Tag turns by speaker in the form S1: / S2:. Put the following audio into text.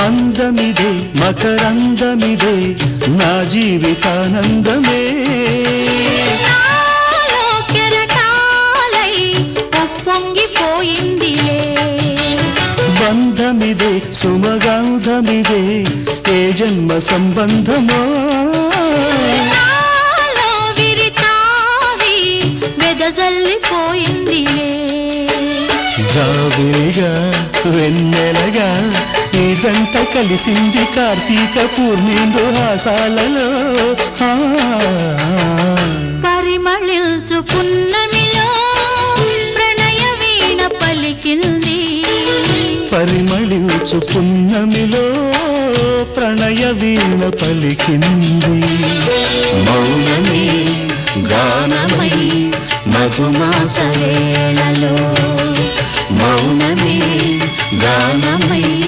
S1: అందమిదే మకరందమిదే నా జీవితానందమే బంధమిదే సుమగంధమిదే ఏ జన్మ సంబంధమో జాబిలిగా వెన్నెలగా ఈ జంట కలిసింది కార్తీక పూర్ణిందు హాసాలలో
S2: పరిమళించు పున్నమిలో ప్రణయ వీణ పలికింది
S1: పరిమళించు పున్నమిలో ప్రణయ వీణ పలికింది మౌనమే గానమై మధుమాస వేళలో మౌనమే గానమై